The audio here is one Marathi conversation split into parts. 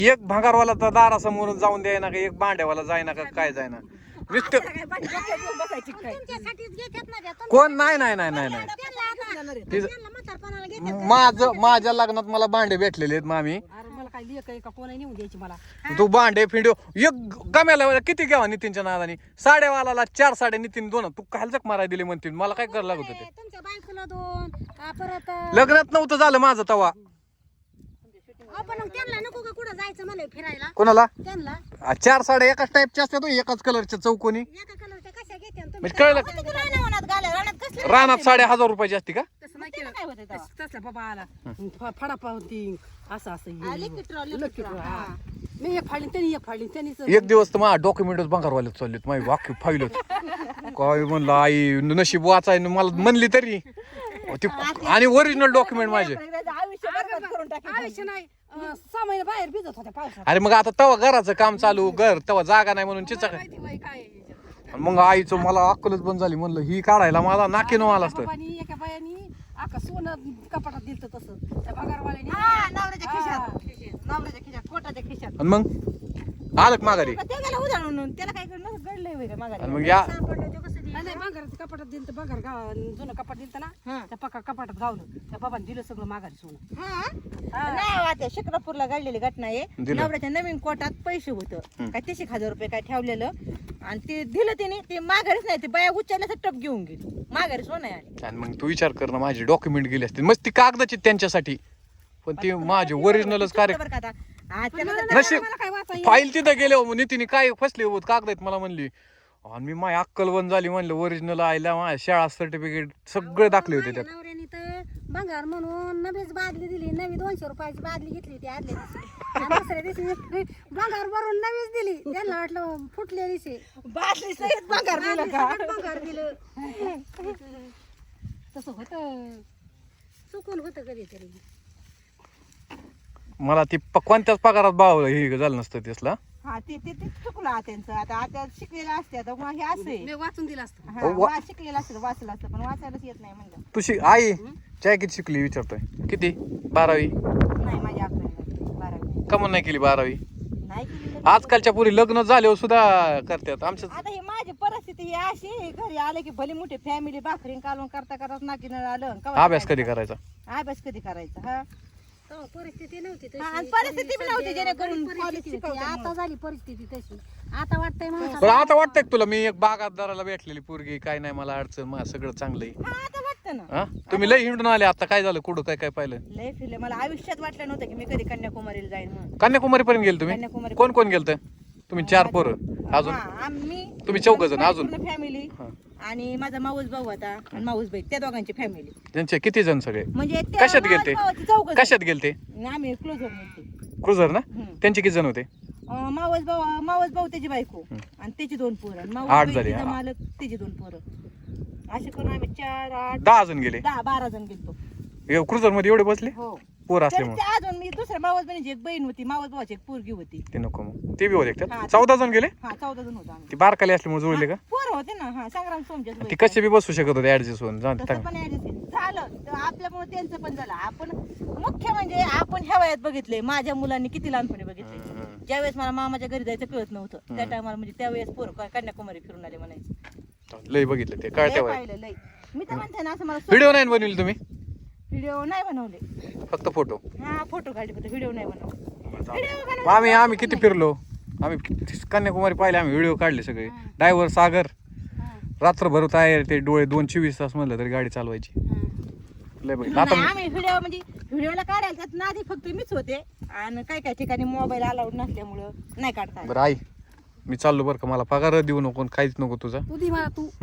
एक भंगारवाला तर दारासमोर जाऊन द्याय ना का, एक भांड्यावाला जाय ना का, काय जाय ना नुसतं कोण नाही नाही नाही नाही नाही माझ्या लग्नात मला भांडे भेटलेले आहेत मामी. तू भांडे फिंडो एक गम्याला किती घ्यावा नितीनच्या नादानी, साडेवाला 4 साडे नितीन 2. तू काय जक माराय दिले म्हणतील, मला काय करायला लागत होते. लग्नात नव्हतं झालं माझं तवा. कोणाला 4 साडे एकाच टाईपच्या असतात, एकाच कलरच्या चौकोनी. म्हणजे कळलं रानात 1,500 रुपयाची असते का? एक दिवस तर माझ्या डॉक्युमेंटच भंगारवाल्यात चाललेत, माझी वाक्य फाईलच काय म्हणलं आई नशीब वाचाय मला म्हणली तरी आणि ओरिजिनल डॉक्युमेंट माझे. अरे मग आता तवा घराचं काम चालू, घर तवा जागा नाही म्हणून चिचा मग आईचं मला अक्कलच बंद झाली. म्हणलं ही काढायला मला नाकीनो आला असतं. सोनं कपाटात दिलं तसं त्या पगारवाल्याने कोटाच्या खिशात. मग आलं माघारी उदाहरण त्याला काय घडलंय माघारी. मग या कपाटात दिलं तर बघा जुनं कपाट दिलं ना, त्या कपाटात गावलं त्या बाबांनी दिलं सगळं माघारी सोनं. नाही शिक्रापूरला घडलेली घटना आहे. नवऱ्याच्या नवीन कोटात पैसे होतं काय 30,000 रुपये काय ठेवलेलं आणि ते दिलं त्याने, ते माघारीच नाही, ते बाया उचलल्याचं टप घेऊन गेली, माघारी सोनं आहे. आणि मग तू विचार कर ना, माझे डॉक्युमेंट गेले असते मस्त ती कागदाची त्यांच्यासाठी, पण ते माझे ओरिजिनलच कार्यक्रम नशीब फाईल तिथं गेले नितीने काय फसले होत कागदात मला म्हणली. आणि मी माझी अक्कल बंद झाली, म्हणलं ओरिजिनल आयला माझ्या शाळा सर्टिफिकेट सगळे दाखले होते त्यात. नवऱ्याने तर भंगार म्हणून नवीच बादली दिली, नवी 200 रुपयाची बादली घेतली होती आदल्या दिवशी. दुसऱ्या दिवशी भंगार भरून नवीच दिली, त्यांना वाटलं फुटल्या दिवशी बादली सहित भंगार दिलं का? भंगार दिलं. तसं होत चुकून होतं कधीतरी. मला ती कोणत्याच पगारात भाव हे झालं नसतं त्यासला. हा ते चुकलं त्यांचं. आता आता शिकलेलं असते, आता मग हे असे वाचून दिलं असतं. शिकलेलं असतं वाचलं असतं, पण वाचायलाच येत नाही म्हणलं. तुझी आई चाय किती शिकली विचारतोय? किती? 12वी? नाही माझ्या 11वी. का म्हणून नाही केली 12वी? नाही केली. आजकालच्या पुरी लग्न झाल्यावर सुद्धा करतात. आमच्या आता ही माझी परिस्थिती ही अशी, घरी आले की भली मोठी फॅमिली भाकरी कालवून करता नाकीनं आलं. अभ्यास कधी करायचा? अभ्यास कधी करायचा? हा परिस्थिती नव्हती तशी. आणि परिस्थिती बी नव्हती जेणेकरून परिस्थिती कॉलेज होती. शिकवतात आता झाली परिस्थिती तशी. आता वाटतंय पण आता वाटतंय तुला मी एक बागायतदाराला भेटलेली पोरगी, काय नाही मला अडचण, मला सगळं चांगलं आहे. हा आता वाटतं ना. हा तुम्ही लय हिंडून आले, आता काय झालं कुठं काय काय पाहिलं? लय फिरले. मला आयुष्यात वाटलं नव्हतं की मी कधी कन्याकुमारीला जाईन म्हणून. कन्याकुमारी पर्यंत गेले तुम्ही? कन्याकुमारी. कोण कोण गेलत तुम्ही? 4 पोरं अजून? आम्ही तुम्ही 4 जण अजून? फॅमिली आणि माझा माऊस भाऊ होता आणि माऊस बाई, त्या दोघांची फॅमिली. त्यांचे किती जण सगळे? म्हणजे कशात गेलते? कशात गेलते? आम्ही क्लोजर मध्ये. क्रुझर ना? त्यांचे किती जण होते? मावस भाऊ त्याची बायको आणि त्याची 2 पोरं. 8 झाले. मालक त्याची 2 पोरं. असे करून आम्ही 4 8 10 जण गेले. 10 12 जण गेलतो. क्रुझर मध्ये एवढे बसले हो पोर तरी असल्यामुळे? ते अजून मी दुसऱ्या मावस बहिणीची एक बहीण होती, मावस भावाची एक पोरगी होती. ते नको मग ते बी होते हा, त्यात. 14 जण गेले. हा 14 जण होतो आम्ही. ती बारकाली असल्यामुळे जुळले का? पोरं होते ना. हा संग्राम सोमच्याच ती वय. कसे बी बसू शकत होते ऍडजस्ट होऊन. जाऊ दे, तसं टाक. पण adjust झालं तर आपल्यामुळे त्यांचं पण झालं. आपण मुख्य म्हणजे आपण ह्या वयात बघितले, माझ्या मुलांनी किती लहानपणी बघितले. ज्यावेळेस मला मामाच्या घरी जायचं कळत नव्हतं त्या टायमाला, म्हणजे त्यावेळेस पोरं कन्याकुमारी फिरून आले म्हणायचं. लय बघितलं ते लय कळत्या वय. पाहिलं लय. मी तर म्हणते ना असं मला व्हिडिओ नाही बनवले तुम्ही? व्हिडिओ नाही बनवले, फक्त फोटो? हा फोटो काढले फक्त, व्हिडिओ नाही बनवले. आम्ही किती फिरलो. आम्ही कन्याकुमारी पाहिले, आम्ही व्हिडिओ काढले सगळे. ड्रायव्हर सागर रात्रभर आहे, ते डोळे 2-24 तास म्हणलं तरी गाडी चालवायची. लय बघितलं. आता आम्ही व्हिडिओ म्हणजे व्हिडिओला काढायचा नादी फक्त मीच होते आणि काही काही ठिकाणी मोबाईल अलाउड नसल्यामुळं नाही काढता. बरं आई मी चाललो बरं का, मला पगार देऊ नको, काहीच नको तुझा. तू दे मला तू.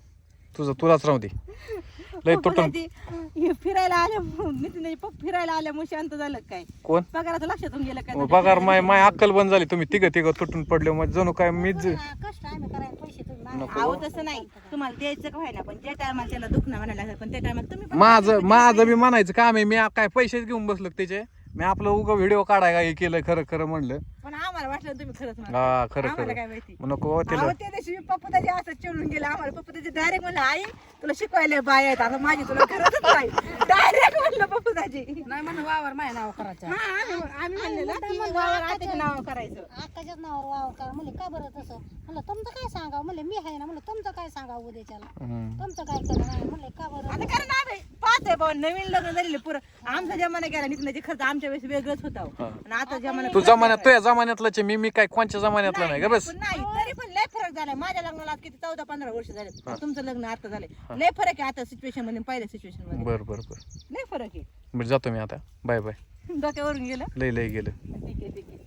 तुलाच राहू दे. लय तुटून फिरायला आल्या नितीन फिरायला आल्यामुळे शांत झालं काय? कोण पगाराचं लक्षातून गेलं काय? पगार माय अक्कल बंद झाली. तुम्ही तिघ तुटून पडले, मग जणू काय मीच. कष्ट आम्ही करायला पैसे तुम्ही अहो तसं नाही, तुम्हाला द्यायचं का व्हायना, पण ज्या टायमाला त्याला दुखणं म्हणायला लागलं, पण त्या टायमाला तुम्ही पण माझं बी म्हणायचं काम आहे. मी काय पैसेच घेऊन बसलो त्याचे. मी आपलं उगा व्हिडिओ काढाय हे केलं खरं खरं म्हणलं. पण आम्हाला वाटलं तुम्ही खरंच म्हणता. हा खरं आम्हाला खरं काय माहिती. नको त्याला अहो, त्या दिवशी पप्पूदाजी असं चिडून गेला आम्हाला. पप्पूदाजी डायरेक्ट म्हणलं आई तुला शिकवायला बाय आहेत आता माझी तुला गरजच नाही. डायरेक्ट म्हणलं पप्पूदाजी. नाही म्हणून वावर माझ्या नाव करायचं. हा आम्ही म्हणलेलं की वावर आत्याच्या नावावर करायचं. अक्काच्याच नावावर वावर करा म्हणले. का बरं तसं म्हणलं तुमचं काय सांगावं म्हणले. मी आहे ना म्हणलं तुमचं काय सांगावं उद्याच्याला. तुमचं काय करा नाही म्हणले. का बरं आता कारण आम्ही पाहतोय भाऊ नवीन लग्न झालेले पुरं आमचा जमाना गेला निघण्याचे खर्च आमच्या वेळेस वेगळंच होता हो. आणि आता जमाना तू जमान्यात तुझ्या जमान्यातलाच आहे, मी काय कोणच्या जमान्यातला नाही का बस. पण नाही तरी पण लय फरक झालाय. माझ्या लग्नाला आज किती 14-15 वर्ष झाले. तुमचं लग्न आता झालंय. लय फरक आहे आता सिच्युएशन मध्ये पहिल्या सिच्युएशन मध्ये. बर बर बर लय फरक आहे. बरं जातो मी आता. Bye bye. डोक्यावरून गेलं. लय लय गेलं. ठीक आहे ठीक आहे.